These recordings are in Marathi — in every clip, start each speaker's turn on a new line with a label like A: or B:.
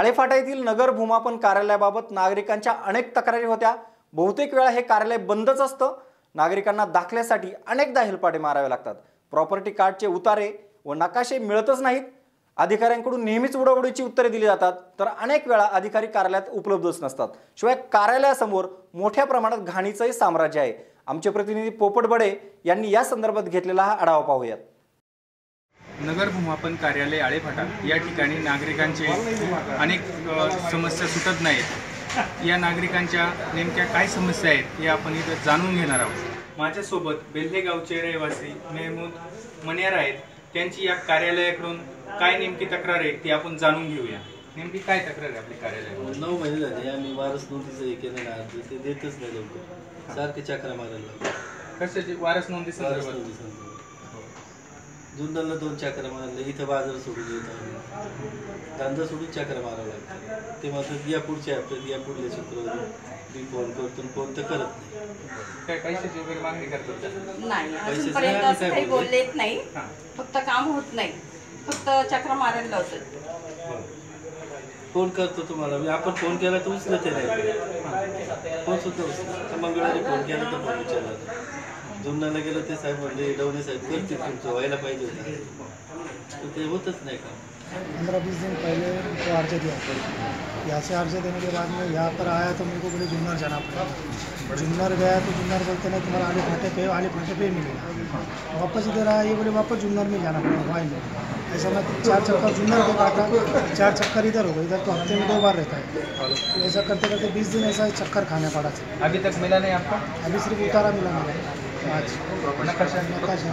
A: आळेफाटा येथील नगर भूमापन कार्यालयाबाबत नागरिकांच्या अनेक तक्रारी होत्या। बहुतेक वेळा हे कार्यालय बंदच असतं। नागरिकांना दाखल्यासाठी अनेकदा हेलपाटे मारावे लागतात। प्रॉपर्टी कार्डचे उतारे व नकाशे मिळतच नाहीत। अधिकाऱ्यांकडून नेहमीच उडवडीची उत्तरे दिली जातात, तर अनेक वेळा अधिकारी कार्यालयात उपलब्धच नसतात। शिवाय कार्यालयासमोर मोठ्या प्रमाणात घाणीचंही साम्राज्य आहे। आमचे प्रतिनिधी पोपट बडे यांनी या संदर्भात घेतलेला हा आढावा पाहूयात।
B: नगर भूमापन कार्यालय आळेफाटा या ठिकाणी नागरिकांचे अनेक समस्या सुटत नाहीत। या नागरिकांच्या नेमक्या काय समस्या आहेत हे आपण इथं जाणून घेणार आहोत। माझ्यासोबत बेल्हे गावचे रहिवासी मेहमूद मनियार आहेत। त्यांची या कार्यालयाकडून काय नेमकी तक्रार आहे ती आपण जाणून घेऊया। नेमकी काय तक्रार आहे आपल्या कार्यालयात?
C: 9 महिने झाले आम्ही वारस नोंदीचं हे केलं ना, ते देतच नाही लवकर, सारखे चक्रा मारायला लागतात।
B: कशाची वारस नोंदी संदर्भात?
C: जुन्नरला 2 चक्रा मारले, इथं बाजार सोडून येत आम्ही, धंदा सोडून चक्रा मारावं लागतं। ते मात्र या पुढच्या हप्त्यात या पुढल्या शुक्रवारी मी फोन करतो, फोन तर करत नाही।
B: काय पैशाची वगैरे मागणी करतात?
D: नाही, अजूनपर्यंत असं काही बोललेत नाही। फक्त काम होत नाही, फक्त चक्रा मारायला लावतात।
C: फोन करतो तुम्हाला मी, आपण फोन केला तर उचलत नाही, फोन सुद्धा उचलत। मंगळवारी फोन केला तर फोन उचलला। जुन्नरला गेलो ते साहेब म्हणले डवणे साहेब करतील, तुमचं व्हायला पाहिजे होतं, ते होतच नाही का।
E: 15-20 दिन पहले उनको अर्ज दिया, यहाँ से अर्ज देने के बाद में यहाँ पर आया तो मेरे को बोले जुन्नर जाना पड़ा। जुन्नर गया तो जुन्नर बोलते नहीं तुम्हारा आले फाटे पे मिलेगा। वापस इधर आया, ये बोले वापस जुन्नर में जाना पड़ा, वहाँ में ऐसा मैं 4 चक्कर जुन्नर को काटा, 4 चक्कर इधर हो गए। इधर तो हफ्ते में 2 बार रहता है। ऐसा करते करते 20 दिन ऐसा चक्कर खाना पड़ा।
B: अभी तक मिला नहीं आपको?
E: अभी सिर्फ उतारा मिला मुझे आज।
B: नकाशा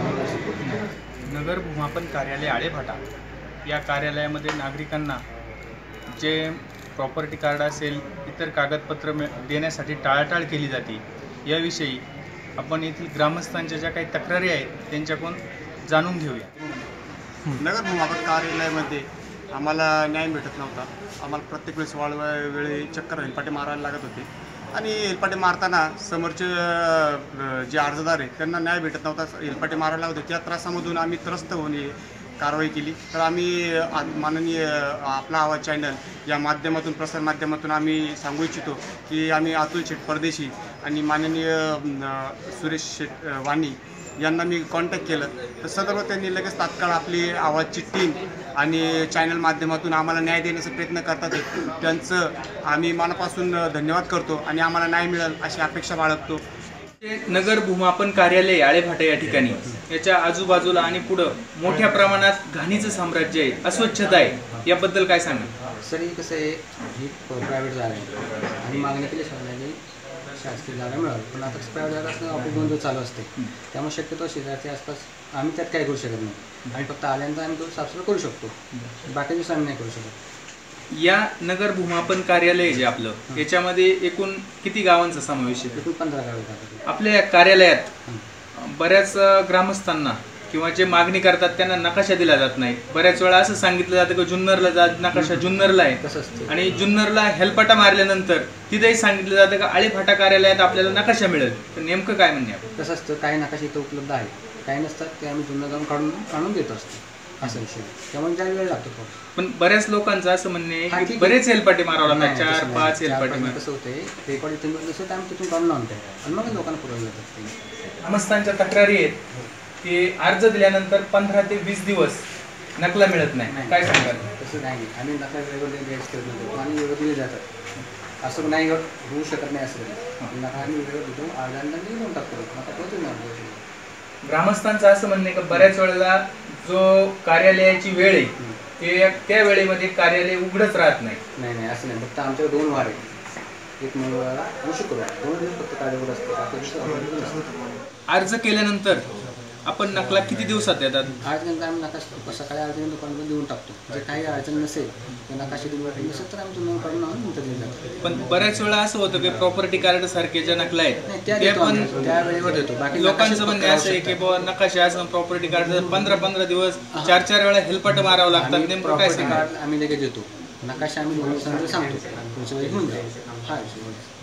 B: नगर भूमापन कार्यालय आळेफाटा या कार्यालयामध्ये नागरिकांना जे प्रॉपर्टी कार्ड असेल, इतर कागदपत्र देण्यासाठी टाळाटाळ केली जाते। याविषयी आपण येथील ग्रामस्थांच्या ज्या काही तक्रारी आहेत त्यांच्याकडून जाणून घेऊया।
F: नगर भूमापन कार्यालयामध्ये आम्हाला न्याय भेटत नव्हता। आम्हाला प्रत्येक वेळेस वेळी चक्कर हेलपाटे मारायला लागत होते आणि हेलपाटे मारताना समोरचे जे अर्जदार आहेत त्यांना न्याय भेटत नव्हता, हेलपाटे मारायला लागत होते। त्या त्रासामधून आम्ही त्रस्त होऊन कारवाई केली। तर आम्ही माननीय आपला आवाज चॅनल या माध्यमातून, प्रसार माध्यमातून आम्ही सांगू इच्छितो की आम्ही अतुल शेठ परदेशी आणि माननीय सुरेश शेठ वाणी यांना मी कॉन्टॅक्ट केलं, तर सदर्भ त्यांनी लगेच तात्काळ आपली आवाजची टीम आणि चॅनल माध्यमातून आम्हाला न्याय देण्याचा प्रयत्न करतात। त्यांचं आम्ही मनापासून धन्यवाद करतो आणि आम्हाला न्याय मिळेल अशी अपेक्षा बाळगतो।
B: नगर भूमापन कार्यालय आळेफाटा या ठिकाणी याच्या आजूबाजूला आणि पुढं मोठ्या प्रमाणात घाणीचं साम्राज्य आहे, अस्वच्छता आहे, याबद्दल काय सांगा?
G: सर, हे कसं आहे, ही प्रायव्हेट जागा आहे आणि मागणी केली शासनाने शासकीय जागा मिळाली, पण आता प्रायव्हेट जागा असणं ऑफिस 2 दिवस चालू असते, त्यामुळे शक्यतो शेजारच्या आसपास आम्ही त्यात काय करू शकत नाही। आणि फक्त आल्यानंतर आम्ही तो साफसफाई करू शकतो, बाकी दिवस आम्ही नाही करू शकत।
B: या नगर भूमापन कार्यालय जे आपलं, याच्यामध्ये एकूण किती गावांचा समावेश आहे?
G: एकूण 15 गाव
B: आपल्या या कार्यालयात बऱ्याच ग्रामस्थांना किंवा जे मागणी करतात त्यांना नकाशा दिला जात नाही। बऱ्याच वेळा असं सांगितलं जातं की जुन्नरला जा, नकाशा जुन्नरला आहे,
G: कसं
B: आणि जुन्नरला हेलपाटा मारल्यानंतर तिथेही सांगितलं जातं की आळेफाटा कार्यालयात आपल्याला नकाशा मिळेल। तर नेमकं काय म्हणणे आपण?
G: कसं असतं, काही नकाशे इथं उपलब्ध आहे, काही नसतात, ते आम्ही जुन्नर जाऊन काढून देत असतो, असा विषय। त्यामुळे ज्या वेळ लागतो
B: पण बऱ्याच लोकांचं असं म्हणणे आहे की बरेच हेलपाटे मारावं लागतात, 4-5 हेलपाटे।
G: कसं होते, रेकॉर्ड इथून नसेल तर आम्ही तिथून काढून आणतो आणि मग लोकांना पुरवलं जातात। ते
B: ग्रामस्थांच्या तक्रारी आहेत की अर्ज दिल्यानंतर 15 ते 20 दिवस नकला मिळत नाही, काय सांगाल?
G: तसं नाही, आम्ही नका वेगवेगळे द्यायचं करतो आणि वेगळं दिले जातात, असं नाही होऊ शकत नाही। असं नका आम्ही वेगळं देतो, अर्ध्यांना देऊन टाकतो, नका पोहोचून नाही।
B: ग्रामस्थांचं असं म्हणणे की बऱ्याच वेळेला जो कार्यालयाची वेळ आहे त्या वेळेमध्ये कार्यालय उघडच राहत नाही।
G: नाही, असं नाही, फक्त आमच्याकडे 2 वार आहेत, एक मंगळवार आणि शुक्रवार, 2 दिवस फक्त कार्य उघड असतं।
B: अर्ज केल्यानंतर आपण नकला किती दिवसात देतात?
G: आज नंतर आम्ही नकाशा सकाळी अर्जन दुकानावर देऊन टाकतो, जे काही अडचण नसेल तर नकाशे दिवस नसेल तर आम्ही तुम्हाला काढून आणून नंतर देऊन टाकतो।
B: पण बऱ्याच वेळा असं होतं की प्रॉपर्टी कार्ड सारखे ज्या नकला आहेत
G: ते पण त्या वेळेवर देतो। बाकी
B: लोकांचं म्हणणं असं आहे की बाबा नकाशा असं प्रॉपर्टी कार्ड 15-15 दिवस 4-4 वेळा हेलपाट मारावं लागतात, नेमकं काय सांगा?
G: आम्ही लगेच देतो, नकाशा आम्ही सांगतो, पुढच्या वेळी घेऊन जाऊ, हा विषय।